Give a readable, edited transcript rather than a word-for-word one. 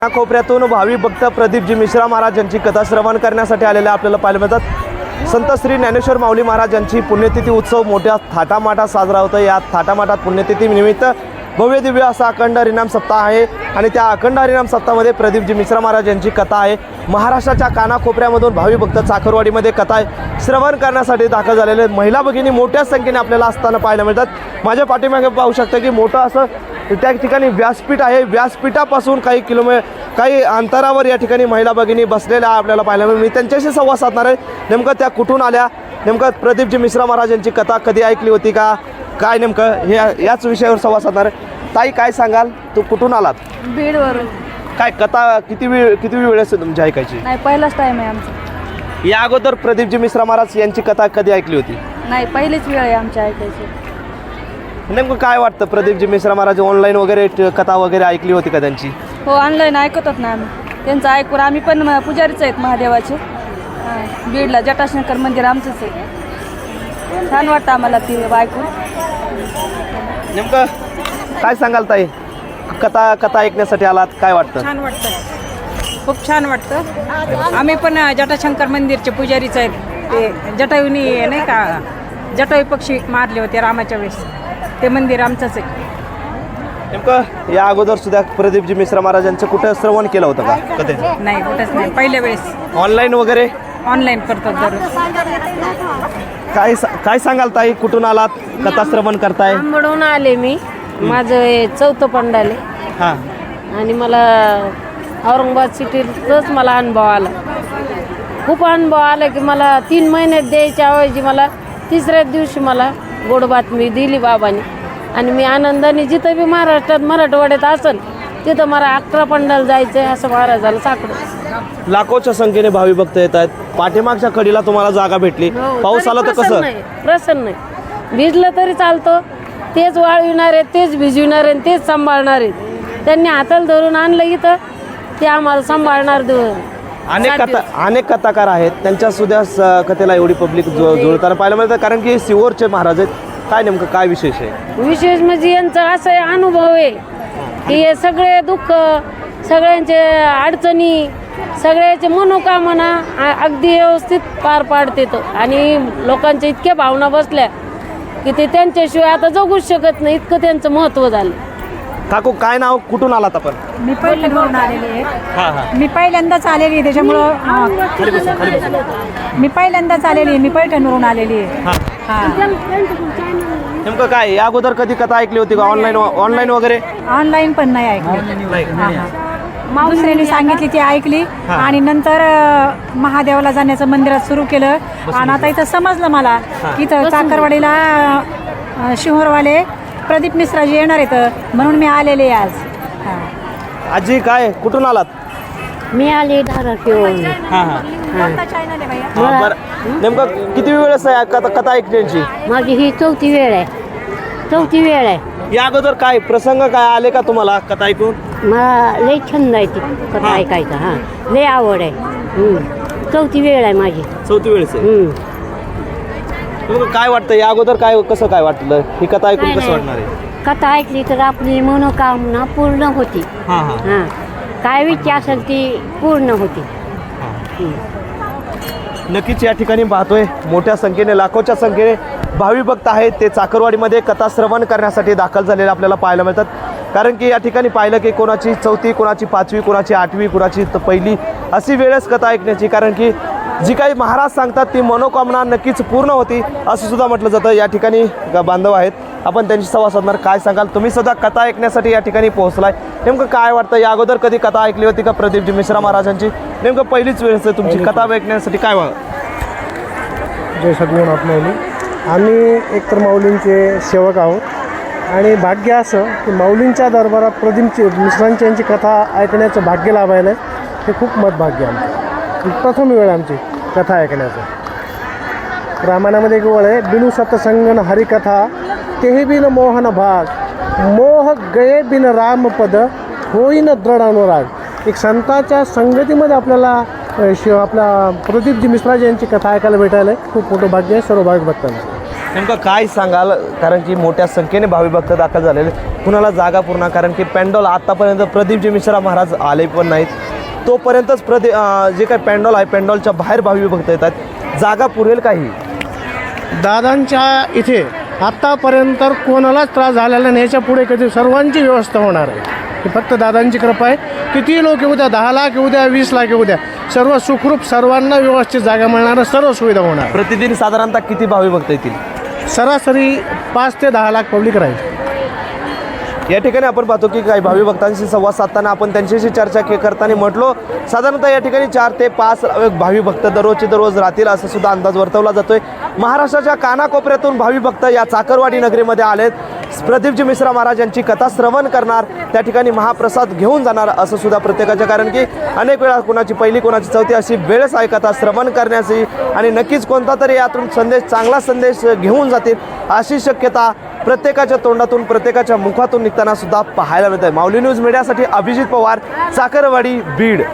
कोपऱ्यातून भावी भक्त प्रदीपजी मिश्रा महाराज यांची कथा श्रवण करण्यासाठी आलेले आपल्याला पाहायला मिळतात। संत श्री ज्ञानेश्वर माऊली महाराज यांची पुण्यतिथी उत्सव मोठ्या थाटामाटात साजरा होतो। या थाटामाटात पुण्यतिथी निमित्त भव्य दिव्य असा अखंड हरिनाम सप्ताह आहे आणि त्या अखंड हरिनाम सप्ताहामध्ये प्रदीपजी मिश्रा महाराज यांची कथा आहे। महाराष्ट्राच्या कानाकोपऱ्यामधून भावी भक्त चाकरवाडीमध्ये कथा आहे श्रवण करण्यासाठी दाखल झालेले महिला भगिनी मोठ्या संख्येने आपल्याला असताना पाहायला मिळतात। माझ्या पाठीमागे पाहू शकता की मोठं असं त्या ठिकाणी व्यासपीठ आहे। व्यासपीठापासून काही अंतरावर या ठिकाणी महिला भगिनी बसलेल्या आपल्याला पाहायला मिळेल। मी त्यांच्याशी संवाद साधणार आहे। नेमकं त्या कुठून आल्या, नेमकं प्रदीपजी मिश्रा महाराज यांची कथा कधी ऐकली होती का, काय नेमकं हे याच विषयावर संवाद साधणार आहे। ताई काय सांगाल, तू कुठून आलात? बीडवरून। काय कथा किती वेळ असते तुमची ऐकायची? नाही, पहिलाच टाइम आहे आमचा। या अगोदर प्रदीपजी मिश्रा महाराज यांची कथा कधी ऐकली होती? नाही, पहिलीच वेळ आहे आमच्या ऐकायची। नेमकं काय वाटतं, प्रदीपजी मिश्रा महाराज ऑनलाईन वगैरे कथा वगैरे ऐकली होती का त्यांची? हो, ऑनलाईन ऐकतात ना आम्ही त्यांचं ऐकून। आम्ही पण पुजारीच आहेत महादेवाचे। बीडला जटाशंकर मंदिर आमचंच आहे। छान वाटतं आम्हाला ती ऐकून। नेमकं काय सांगाल ताई, कथा ऐकण्यासाठी आलात, काय वाटतं? छान वाटतं, खूप छान वाटतं। आम्ही पण जटाशंकर मंदिरचे पुजारीच आहेत। ते जटायूनी नाही का, जटायू पक्षी मारले होते रामाच्या वेळेस, ते मंदिर आमचंच आहे। नेमकं या अगोदर सुद्धा प्रदीपजी मिश्रा महाराजांचं कुठं श्रवण केलं होतं का कधी? नाही, कुठंच नाही, पहिल्या वेळेस ऑनलाईन वगैरे ऑनलाईन करतात दररोज। काय सांगाल ताई, कुठून आलात, कथा श्रवण करताय? आंबडून आले मी, माझं हे चौथं पंडाले हां, आणि मला औरंगाबाद सिटीतच मला अनुभव आला। खूप अनुभव आला की मला 3 महिन्यात द्यायच्या ऐवजी मला तिसऱ्याच दिवशी मला गोड बातमी दिली बाबांनी। आणि मी आनंदाने जिथं बी महाराष्ट्रात मराठवाड्यात असेल तिथं मला 11 पंडाला जायचं आहे असं महाराजाला साकडं। लाखोच्या संख्येने भावी भक्त येत आहेत। पाठीमागच्या कडीला तुम्हाला जागा भेटली, पाऊस आला तर कसं? प्रसन्न आहे, भिजलं तरी चालतं। तेच वाळविणार आहेत, तेच भिजविणार आहेत, तेच सांभाळणार आहेत। त्यांनी हाताला धरून आणलं इथं, ते आम्हाला सांभाळणार। अनेक कथाकार आहेत, त्यांच्या सुद्धा कथेला एवढी पब्लिक जुळताना पाहायला मिळतं, कारण की सिहोरचे महाराज आहेत। काय नेमकं काय विशेष आहे? विशेष म्हणजे यांचा असा अनुभव आहे की हे सगळे दुःख, सगळ्यांचे अडचणी, सगळ्याचे मनोकामना अगदी व्यवस्थित पार पाडते तो। आणि लोकांच्या इतक्या भावना बसल्या की ते त्यांच्याशिवाय आता जगूच शकत नाही, इतकं त्यांचं महत्त्व झालं। काकू काय नाव, कुठून आलात आपण? मी पहिल्यांदाच आलेली आहे। हां हां, मी पहिल्यांदाच आलेली आहे, त्याच्यामुळं मी पहिल्यांदाच आलेली आहे। मी पैठणवरून आलेली आहे। हां, नेमकं काय या अगोदर कधी कथा ऐकली होती का? ऑनलाईन वगैरे? ऑनलाईन पण नाही ऐकली। दुसऱ्याने सांगितली ती ऐकली आणि नंतर महादेवाला जाण्याचं मंदिरात सुरू केलं। आणि आता इथं समजलं मला की इथं चाकरवाडीला शिहोरवाले प्रदीप मिश्राजी येणार आहेत, म्हणून मी आलेले आज। आजी काय, कुठून आलात? मी आले धाराशिवरून। हां हां, बरं। नेमकं किती वेळ आहे कथा ऐकण्याची? माझी ही 4थी वेळ आहे। या अगोदर काय प्रसंग काय आले का तुम्हाला कथा ऐकून? मला लई छंद आहे ती कथा ऐकायचा। हां, लई आवड आहे। 4थी वेळ आहे माझी। 4थी वेळेस आहे। तुम्हाला काय वाटतं, या अगोदर कसं काय वाटलं, ही कथा ऐकून कसं वाटणार आहे? कथा ऐकली तर आपली मनोकामना पूर्ण होती। हां हां, हां, काय इच्छा असेल ती पूर्ण होती। नक्कीच या ठिकाणी पाहतोय मोठ्या संख्येने, लाखोच्या संख्येने भावी भक्त आहेत, ते चाकरवाडीमध्ये कथा श्रवण करण्यासाठी दाखल झालेले आपल्याला पाहायला मिळतात। कारण की या ठिकाणी पाहिलं की कोणाची 4थी, कोणाची 5वी, कोणाची 8वी, कोणाची पहिली अशी वेळच कथा ऐकण्याची। कारण की जी काही महाराज सांगतात ती मनोकामना नक्कीच पूर्ण होती असं सुद्धा म्हटलं जातं। या ठिकाणी बांधव आहेत, आपण त्यांची संवाद साधणार। काय सांगाल, तुम्ही सुद्धा कथा ऐकण्यासाठी या ठिकाणी पोहोचलाय, नेमकं काय वाटतं? या अगोदर कधी कथा ऐकली होती का प्रदीपजी मिश्रा महाराजांची? नेमकं पहिलीच वेळेस तुमची कथा ऐकण्यासाठी काय जय सद्गुरुनाथ माऊली। आम्ही एकतर माऊलींचे सेवक आहोत आणि भाग्य असं की माऊलींच्या दरबारात प्रदीपची मिश्रांची यांची कथा ऐकण्याचं भाग्य लाभायला हे खूप मतभाग्य आमचं। प्रथम वेळ आमची कथा ऐकण्याचं। रामायणामध्ये एक वेळ आहे, बिनु सतसंगन हरिकथा तेही बिन मोहन भाग, मोह गये बिन रामपद होईन दृढ अनुराग। एक संतांच्या संगतीमध्ये आपल्याला आपला प्रदीपजी मिश्राजी यांची कथा ऐकायला भेटायला खूप मोठं भाग्य आहे सर्व भाविक भक्तांना। नेमकं काय सांगाल, कारण की मोठ्या संख्येने भावी भक्त दाखल झालेले, कुणाला जागा पूर्ण, कारण की पॅन्डॉल आत्तापर्यंत प्रदीपजी मिश्रा महाराज आले पण नाहीत, तोपर्यंतच जे काही पॅन्डॉल आहे पॅन्डॉलच्या बाहेर भावी भक्त येतात, जागा पुरेल काही? दादांच्या इथे आत्तापर्यंत कोणालाच त्रास झालेला नाही, याच्या पुढे कधी सर्वांची व्यवस्था होणार आहे. ही फक्त दादांची कृपा आहे. किती लोक येऊ द्या, 10 लाख येऊ द्या, 20 लाख येऊ द्या, सर्व सुखरूप सर्वांना व्यवस्थित जागा मिळणार, सर्व सुविधा होणार. प्रतिदिन साधारणतः किती भावी भक्त येतील? सरासरी 5 ते 10 लाख पब्लिक राहील. या ठिकाणी आपण पाहतो की काही भावी भक्तांशी संवाद साधताना आपण त्यांच्याशी चर्चा करताना म्हटलो, साधारणतः या ठिकाणी 4 ते 5 भावी भक्त दररोजचे दररोज राहतील असा सुद्धा अंदाज वर्तवला जातोय. महाराष्ट्राच्या कानाकोपऱ्यातून भावी भक्त या चाकरवाडी नगरीमध्ये आलेत. प्रदीपजी मिश्रा महाराज यांची कथा श्रवण करणार, त्या ठिकाणी महाप्रसाद घेऊन जाणार असं सुद्धा प्रत्येकाच्या, कारण की अनेक वेळा कोणाची पहिली कोणाची चौथी अशी वेळच आहे कथा श्रवण करण्याची, आणि नक्कीच कोणता तरी यातून संदेश, चांगला संदेश घेऊन जातील अशी शक्यता प्रत्येकाच्या तोंडातून, प्रत्येकाच्या मुखातून निघताना सुद्धा पाहायला मिळत आहे. माऊली न्यूज मीडियासाठी अभिजित पवार, चाकरवाडी, बीड.